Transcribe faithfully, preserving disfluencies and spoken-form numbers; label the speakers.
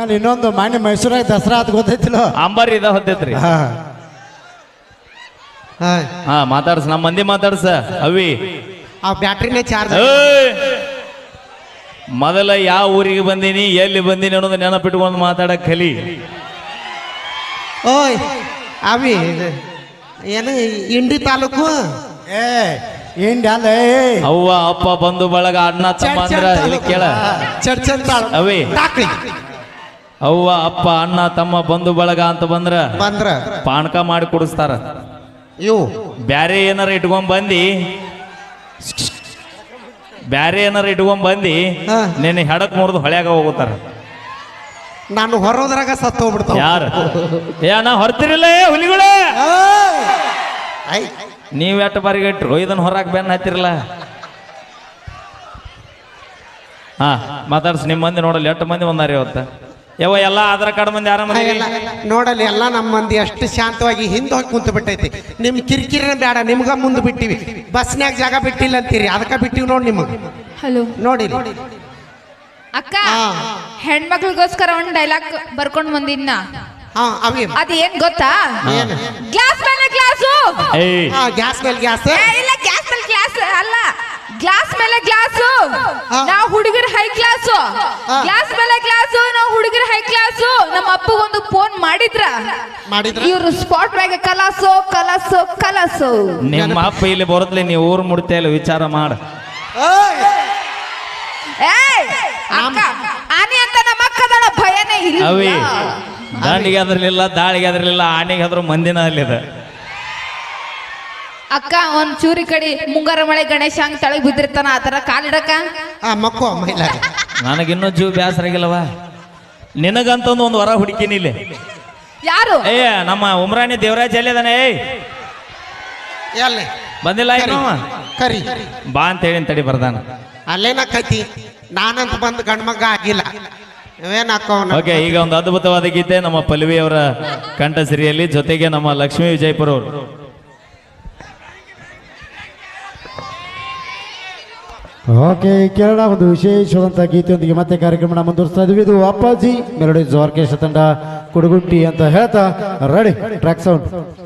Speaker 1: ಆಮೇಲೆ ಇನ್ನೊಂದು ಮಾನ್ಯ ಮೈಸೂರಾಗ ದಸರಾ ಅದು ಗೊತ್ತೈತಿಲ್ಲ
Speaker 2: ಅಂಬಾರಿ ಇದ ಹೊತ್ತೈತ್ರಿ ಹಾ ಮಾತಾಡ್ಸ ನಮ್ಮ ಮಂದಿ ಮಾತಾಡ್ಸ ಅವಿ
Speaker 3: ಆ ಬ್ಯಾಟ್ರಿನೇ ಚಾರ್ಜ್.
Speaker 2: ಮೊದಲ ಯಾವ ಊರಿಗೆ ಬಂದೀನಿ ಎಲ್ಲಿ ಬಂದೀನಿ ಅನ್ನೋದು ನೆನಪಿಟ್ಕೊಂಡು ಮಾತಾಡಕ್ ಕಲಿ.
Speaker 3: ಓಯ್ ಅವಿ ಏನು ಇಂಡಿ ತಾಲೂಕು
Speaker 1: ಏ ಇಂಡಿ ಅಲ್ಲ
Speaker 2: ಅವ್ವ ಅಪ್ಪ ಬಂಧು ಬಳಗ ಅಣ್ಣ ತಮ್ಮ ಅಂದ್ರ ಇಲ್ಲಿ ಕೇಳ ಅವಿ ಅವ್ವ ಅಪ್ಪ ಅಣ್ಣ ತಮ್ಮ ಬಂಧು ಬಳಗ ಅಂತ ಬಂದ್ರ
Speaker 3: ಬಂದ್ರ
Speaker 2: ಪಾನಕ ಮಾಡಿ ಕುಡಿಸ್ತಾರ.
Speaker 3: ಇವು
Speaker 2: ಬ್ಯಾರೆ ಏನಾರ ಇಟ್ಕೊಂಡ್ ಬಂದಿ ಬ್ಯಾರೆ ಏನಾರ ಇಟ್ಕೊಂಡ್ ಬಂದಿ ನಿನ್ನ ಹೆಡಕ್ ಮುರಿದು ಹೊಳ್ಯಾಗ ಹೋಗುತ್ತಾರ.
Speaker 3: ನಾನು ಹೊರೋದ್ರಾಗ ಸತ್ತು ಹೋಗ್ಬಿಡ್ತಾವ.
Speaker 2: ಯಾರು ಏ ಅಣ್ಣ ಹೊರ್ತಿರಿಲ್ಲ ಹುಲಿಗಳೇ ನೀವ್ ಎಟ್ಟು ಬಾರಿಗೆ ಇಟ್ರು ಇದನ್ನ ಹೊರಕ್ ಬೆನ್ನ ಹತ್ತಿರಲ್ಲ. ಹಾ ಮಾತಾಡ್ಸಿ ನಿಮ್ಮ ಮಂದಿ ನೋಡಲ್ಲ ಎಷ್ಟು ಮಂದಿ ಬಂದಾರ ಇವತ್ತ ಯಾವ ಎಲ್ಲ ಆಧಾರ್ ಕಾರ್ಡ್ ಮಂದಿ ಯಾರ ಮಂದಿ
Speaker 3: ನೋಡಲಿ ಎಲ್ಲ ನಮ್ಮ ಮಂದಿ ಅಷ್ಟು ಶಾಂತವಾಗಿ ಹಿಂದೆ ಹೋಗಿ ಕುಂತು ಬಿಟ್ಟೈತಿ. ನಿಮ್ ಕಿರಿಕಿರಿನ ಬೇಡ ನಿಮ್ಗ ಮುಂದೆ ಬಿಟ್ಟಿವಿ. ಬಸ್ನ್ಯಾಗ ಜಾಗ ಬಿಟ್ಟಿಲ್ಲ ಅಂತೀರಿ ಅದಕ್ಕ ಬಿಟ್ಟಿವಿ ನೋಡಿ ನಿಮಗೆ.
Speaker 4: ಹಲೋ
Speaker 3: ನೋಡಿ
Speaker 4: ಅಕ್ಕ ಹೆಣ್ಮಕ್ಳಿಗೋಸ್ಕರ ಒಂದ್ ಡೈಲಾಗ್ ಬರ್ಕೊಂಡ್ ಬಂದಿನ್ನ ಅದ ಏನ್ ಗೊತ್ತಾ? ಗ್ಲಾಸ್ ಮೇಲೆ ಗ್ಲಾಸು
Speaker 3: ಗ್ಯಾಸ್ ಮೇಲೆ ಗ್ಯಾಸ್
Speaker 4: ಇಲ್ಲ ಗ್ಯಾಸ್ ಮೇಲೆ ಗ್ಲಾಸ್ ಅಲ್ಲ ಗ್ಲಾಸ್ ಮೇಲೆ ಗ್ಲಾಸು ನಾವು ಹುಡುಗರು ಹೈ ಕ್ಲಾಸು ಗ್ಲಾಸ್ ಮೇಲೆ ಗ್ಲಾಸು ನಾವು ಹುಡುಗರು ಹೈ ಕ್ಲಾಸು. ನಮ್ಮ ಅಪ್ಪಗೊಂದು ಫೋನ್ ಮಾಡಿದ್ರ ಇವ್ರು ಸ್ಪಾಟ್ ಮ್ಯಾಗ ಕಲಾಸು ಕಲಾಸು ಕಲಾಸು.
Speaker 2: ನಿಮ್ಮ ಅಪ್ಪ ಇಲ್ಲಿ ಬರೋದ್ಲಿ ನೀವು ಊರ್ ಮುಡ್ತಾ ಇಲ್ಲ ವಿಚಾರ ಮಾಡ.
Speaker 4: ಆನೆ ಅಂತ ನಮ್ಮ ಅಕ್ಕದಳ ಭಯನೇ ಇಲ್ಲ.
Speaker 2: ಅವಿ ದಾಂಡಿಗೆ ಅದ್ರಲಿಲ್ಲ ದಾಳಿಗೆ ಅದ್ರಲಿಲ್ಲ ಆನೆಗೆ ಅದ್ರ ಮಂದಿನ ಅಲ್ಲಿದ.
Speaker 4: ಅಕ್ಕ ಒಂದ್ ಚೂರಿ ಕಡಿ ಮುಂಗಾರ ಮಳೆ ಗಣೇಶ ಹಂಗ ತಳಗ್ ಬಿದ್ದಿರ್ತಾನ ಆತರ ಕಾಲಿಡಕ
Speaker 3: ಮಕ್ಕೋ
Speaker 2: ನನಗಿನ್ನೂ ಜೀವ ಬ್ಯಾಸರಾಗಿಲ್ಲವ. ನಿನಗಂತ ಒಂದು ವರ ಹುಡುಕಿನಿ ಇಲ್ಲಿ.
Speaker 4: ಯಾರು?
Speaker 2: ಏ ನಮ್ಮ ಉಮ್ರಾಣಿ ದೇವರಾಜ್ ಎಲ್ಲಿದಾನೆ? ಬಂದಿಲ್ಲ
Speaker 3: ಕರಿ
Speaker 2: ಬಾ ಅಂತ ಹೇಳಿ ತಡಿ ಬರ್ದಾನ.
Speaker 3: ಅಲ್ಲೇನಕ್ಕೈತಿ ನಾನಂತ ಬಂದು ಗಂಡ್ಮಗ ಆಗಿಲ್ಲ.
Speaker 2: ಓಕೆ ಈಗ ಒಂದು ಅದ್ಭುತವಾದ ಗೀತೆ ನಮ್ಮ ಪಲ್ವಿ ಅವರ ಕಂಠಸಿರಿಯಲ್ಲಿ, ಜೊತೆಗೆ ನಮ್ಮ ಲಕ್ಷ್ಮೀ ವಿಜಯಪುರ ಅವರು.
Speaker 1: ಓಕೆ ಕೇರಳ ಒಂದು ವಿಶೇಷವಾದಂಥ ಗೀತೆಯೊಂದಿಗೆ ಮತ್ತೆ ಕಾರ್ಯಕ್ರಮ ಮುಂದುವರಿಸ್ತಾ ಇದ್ವಿ. ಇದು ಅಪ್ಪಾಜಿ ಮೆಲೋಡಿ ಆರ್ಕೆಸ್ಟ್ರಾ ತಂಡ ಕುಡುಗುಂಟಿ ಅಂತ ಹೇಳ್ತಾ ರೆಡಿ ಟ್ರ್ಯಾಕ್ ಸೌಂಡ್.